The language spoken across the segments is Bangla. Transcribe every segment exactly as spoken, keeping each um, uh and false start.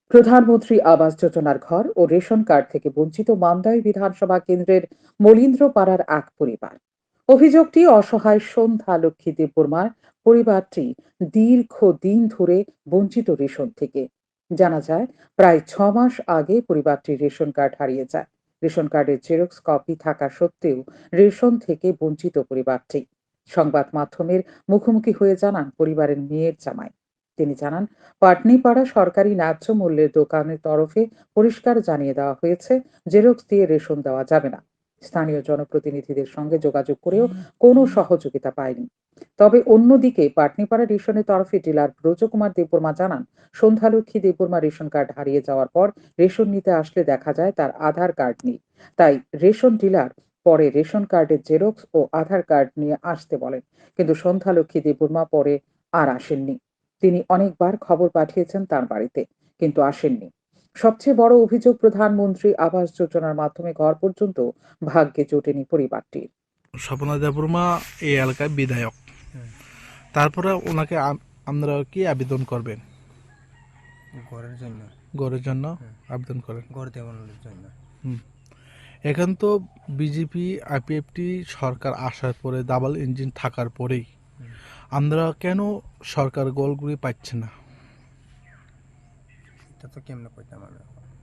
প্রধানমন্ত্রী আবাস যোজনার ঘর ও রেশন কার্ড থেকে বঞ্চিত মান্দাই বিধানসভা কেন্দ্রের মলিন্দ্রপাড়ার এক পরিবার। অভিযোগটি অসহায় সন্ধ্যা লক্ষ্মী দেববর্মার পরিবারটি দীর্ঘদিন ধরে বঞ্চিত রেশন থেকে। জানা যায়, প্রায় ছ মাস আগে পরিবারটির রেশন কার্ড হারিয়ে যায়। রেশন কার্ডের জেরক্স কপি থাকা সত্ত্বেও রেশন থেকে বঞ্চিত পরিবারটি সংবাদ মাধ্যমের মুখোমুখি হয়ে জানান পরিবারের মেয়ের জামাই। তিনি জানান, পাটনিপাড়া সরকারি ন্যায্য মূল্যের দোকানের তরফে পরিষ্কার জানিয়ে দেওয়া হয়েছে, জেরক্স দিয়ে রেশন দেওয়া যাবে না। স্থানীয় জনপ্রতিনিধিদের সঙ্গে যোগাযোগ করেও কোনো সহযোগিতা পায়নি। তবে অন্যদিকে পাটনিপাড়া রেশনের তরফে ডিলার ব্রজকুমার দেববর্মা জানান, সন্ধ্যালক্ষ্মী দেববর্মা রেশন কার্ড হারিয়ে যাওয়ার পর রেশন নিতে আসলে দেখা যায় তার আধার কার্ড নেই। তাই রেশন ডিলার পরে রেশন কার্ডের জেরক্স ও আধার কার্ড নিয়ে আসতে বলেন, কিন্তু সন্ধ্যালক্ষ্মী দেববর্মা পরে আর আসেননি। তিনি অনেকবার খবর পাঠিয়েছেন তার বাড়িতে, কিন্তু আসেননি। সবচেয়ে বড় অভিযোগ, প্রধানমন্ত্রী আবাস যোজনার মাধ্যমে ঘর পর্যন্ত ভাগ্যে জোটেনি পরিবারটির। স্বপনা দেববর্মা এই এলাকায় বিধায়ক। তারপরে ওনাকে আপনারা কি আবেদন করবেন? ঘরের জন্য ঘরের জন্য আবেদন করেন, ঘর দেওয়ানোর জন্য। হুম এখন তো বিজেপি আইপিএফটি সরকার আসার পরে ডাবল ইঞ্জিন থাকার পরেই আমরা কেন সরকার গোলগুলি পাচ্ছে না? এটা তো কেমনে কইতাম আমি,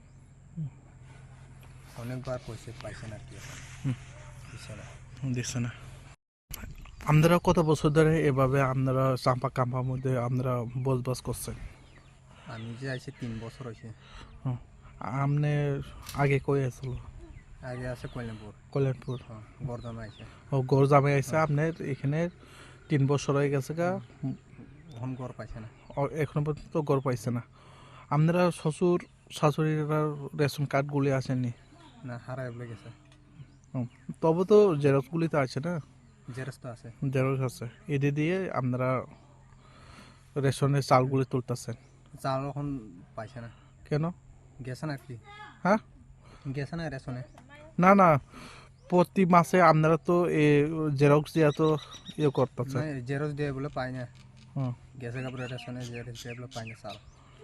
অনেকবার কইছে পাইছে না, কি দিছে না দিচ্ছে না। আপনারা কত বছর ধরে এভাবে আপনারা চাম্পা কাম্পার মধ্যে আপনারা বসবাস করছেন? আমি যে আইছি তিন বছর হয়েছে। আপনি আগে কই আসল? আগে আছে কল্যাণপুর। কল্যাণপুর বর্ধমান আইছে। ও গড় জামে আইসে আপনার এখানে তিন বছর হয়ে গেছে গা, এখন ঘর পাইছে না, এখনো পর্যন্ত গড় পাইছে না। আপনারা শ্বশুর শাশুড়িরা রেশন কার্ডগুলি আসেনি? না, হারাই বলে গেছে। তবে তো জেরক্সগুলি তো আছে না? জেরক্স তো আছে। জেরক্স আছে, এটি দিয়ে আপনারা রেশনের চালগুলি তুলতেছেন। চাল এখন পাইছে না। কেন? গেছে না কি? হ্যাঁ, গেছে না রেশনে। না না, প্রতি মাসে আপনারা তো এ জেরক্স দিয়া তো ইয়ে করতেছে। জেরক্স দিয়ে বলে পাই না। হুম, গেছে কাপড়ে রেশনে জেরক্স দিয়ে বলে পাই না চাল।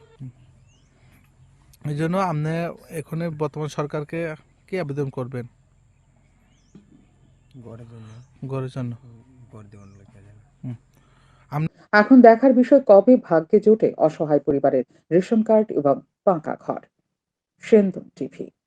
এই জন্য আপনি এখন বর্তমান সরকারকে কি আবেদন করবেন? ঘরের জন্য, ঘরের জন্য ঘর দেওয়ানোর লোক। এখন দেখার বিষয়, কবে ভাগ্যে জোটে অসহায় পরিবারের রেশন কার্ড এবং পাকা ঘর। সেনদন টিভি।